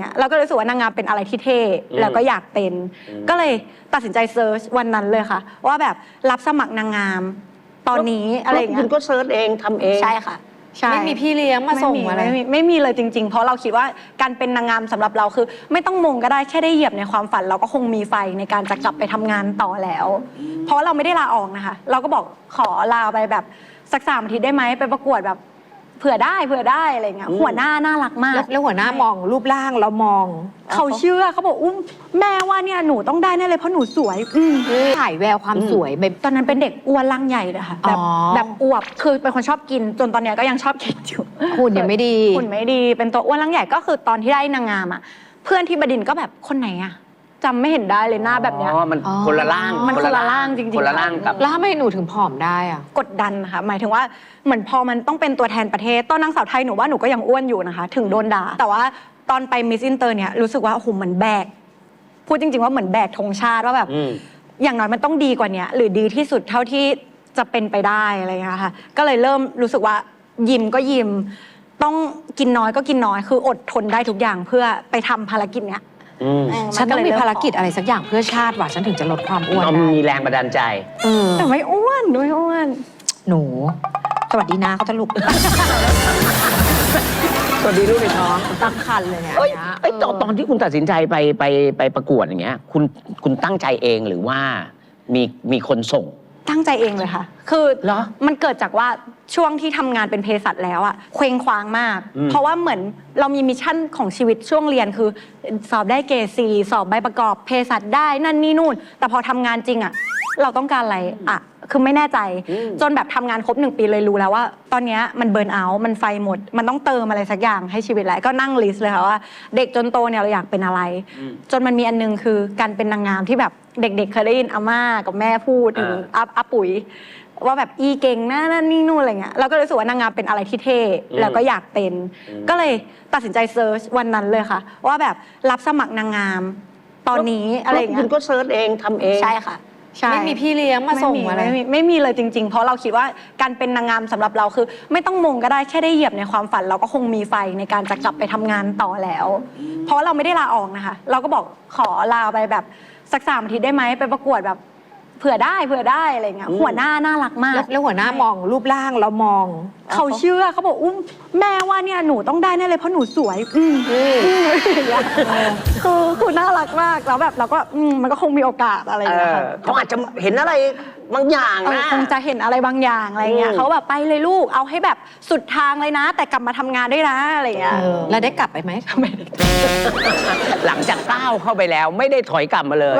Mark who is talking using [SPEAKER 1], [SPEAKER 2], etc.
[SPEAKER 1] เงี้ยเราก็รู้สึกว่านางงามเป็นอะไรที่เท่แล้วก็อยากเป็นก็เลยตัดสินใจเซิร์ชวันนั้นเลยค่ะว่าแบบรับสมัครนางงามตอนนี้อะไรเงี้ย
[SPEAKER 2] คุณก็เซิร์ชเองทำเอง
[SPEAKER 1] ใช่ค่ะ
[SPEAKER 3] ไม่มีพี่เลี้ยงมาส่งอะไร
[SPEAKER 1] ไม่มีเลยจริงๆเพราะเราคิดว่าการเป็นนางงามสำหรับเราคือไม่ต้องมงก็ได้แค่ได้เหยียบในความฝันเราก็คงมีไฟในการจะกลับไปทำงานต่อแล้วเพราะเราไม่ได้ลาออกนะคะเราก็บอกขอลาไปแบบสัก3 อาทิตย์ได้ไหมไปประกวดแบบเผื่อได้อะไรเงี้ยหัวหน้าน่ารักมาก
[SPEAKER 3] แล้วหัวหน้ามองรูปร่างเรามอง
[SPEAKER 1] เขาเชื่อเขาบอกแม่ว่าเนี่ยหนูต้องได้แน่เลยเพราะหนูสวย
[SPEAKER 3] ถ่ายแววความสวยแบบ
[SPEAKER 1] ตอนนั้นเป็นเด็กอ้วนร่างใหญ่เลยค่ะแบบอวบคือเป็นคนชอบกินจนตอนเนี้ยก็ยังชอบกินอยู่
[SPEAKER 3] หุ่นยังไม่ดี
[SPEAKER 1] หุ่นไม่ดีเป็นตัวอ้วนร่างใหญ่ก็คือตอนที่ได้นางงามอ่ะเพื่อนที่บดินทร์ก็แบบคนไหนอ่ะจำไม่เห็นได้เลยหน้าแบบเนี้ย
[SPEAKER 2] มันคนละร่าง
[SPEAKER 1] มันคนละร่างจริงๆ
[SPEAKER 2] คนละร่างกับ
[SPEAKER 3] แล้วทำไมหนูถึงผอมได้อ่ะ
[SPEAKER 1] กดดันค่ะหมายถึงว่าเหมือนพอมันต้องเป็นตัวแทนประเทศตอนนางสาวไทยหนูว่าหนูก็ยังอ้วนอยู่นะคะถึงโดนด่าแต่ว่าตอนไปมิสอินเตอร์เนี่ยรู้สึกว่าโอ้โหเหมือนแบกพูดจริงๆว่าเหมือนแบกธงชาติว่าแบบอย่างน้อยมันต้องดีกว่านี้หรือดีที่สุดเท่าที่จะเป็นไปได้อะไรอย่างเงี้ยค่ะก็เลยเริ่มรู้สึกว่ายิมก็ยิมต้องกินน้อยก็กินน้อยคืออดทนได้ทุกอย่างเพื่อไปทำภารกิจเนี้ย
[SPEAKER 3] ฉันต้องมีภารกิจอะไรสักอย่างเพื่อชาติว่ะฉันถึงจะลดความอ้วนได้
[SPEAKER 2] มีแรงบันดาลใจ
[SPEAKER 1] แต่ไม่อ้วน
[SPEAKER 3] หนูสวัสดีนะเขาจะลุก
[SPEAKER 2] สวัสดีลูกในท้อง
[SPEAKER 3] ตั้งคันเลยเนี่ย
[SPEAKER 2] ตอนที่คุณตัดสินใจไปประกวดอย่างเงี้ยคุณตั้งใจเองหรือว่ามีคนส่ง
[SPEAKER 1] ตั้งใจเองเลยค่ะคือมันเกิดจากว่าช่วงที่ทำงานเป็นเภสัชแล้วอะเคว้งคว้างมากเพราะว่าเหมือนเรามีมิชชั่นของชีวิตช่วงเรียนคือสอบได้เกรด 4สอบใบประกอบเภสัชได้นั่นนี่นู่นแต่พอทำงานจริงอะเราต้องการอะไรอะคือไม่แน่ใจจนแบบทำงานครบ1 ปีเลยรู้แล้วว่าตอนนี้มันเบิร์นเอาท์มันไฟหมดมันต้องเติมอะไรสักอย่างให้ชีวิตแล้วก็นั่งลิสต์เลยค่ะว่าเด็กจนโตเนี่ยเราอยากเป็นอะไรจนมันมีอันนึงคือการเป็นนางงามที่แบบเด็กๆเคยได้ยินอาม่ากับแม่พูดถึงอาปุ๋ยว่าแบบอีเก่งนั่นนี่นู่นอะไรเงี้ยเราก็รู้สึกว่านางงามเป็นอะไรที่เท่แล้วก็อยากเป็นก็เลยตัดสินใจเซิร์ชวันนั้นเลยค่ะว่าแบบรับสมัครนางงามตอนนี้อะไรเงี้ย
[SPEAKER 2] คุณก็เซิร์ชเองทำเอง
[SPEAKER 1] ใช่ค่ะ
[SPEAKER 3] ไม่มีพี่เลี้ยงมาส่งอะไร
[SPEAKER 1] ไม่มีเลยจริงๆเพราะเราคิดว่าการเป็นนางงามสำหรับเราคือไม่ต้องมงก็ได้แค่ได้เหยียบในความฝันเราก็คงมีไฟในการจะกลับไปทำงานต่อแล้วเพราะเราไม่ได้ลาออกนะคะเราก็บอกขอลาไปแบบสัก3 อาทิตย์ได้ไหมไปประกวดแบบเผื่อได้อะไรเงี้ยหัวหน้าน่ารักมาก
[SPEAKER 3] แล้วหัวหน้ามองรูปร่างเรามอง
[SPEAKER 1] เขาเชื่อเขาบอกแม่ว่าเนี่ยหนูต้องได้แน่เลยเพราะหนูสวยคือน่ารักมากแล้วแบบเราก็มันก็คงมีโอกาสอะไรอย่างเงี้ย
[SPEAKER 2] เขาอาจจะเห็นอะไรบางอย่างนะ
[SPEAKER 1] คงจะเห็นอะไรบางอย่างอะไรเงี้ยเขาแบบไปเลยลูกเอาให้แบบสุดทางเลยนะแต่กลับมาทำงานด้วยนะอะไรเงี้ย
[SPEAKER 3] แล้วได้กลับไปไหม
[SPEAKER 2] หลังจากก้าวเข้าไปแล้วไม่ได้ถอยกลับมาเลย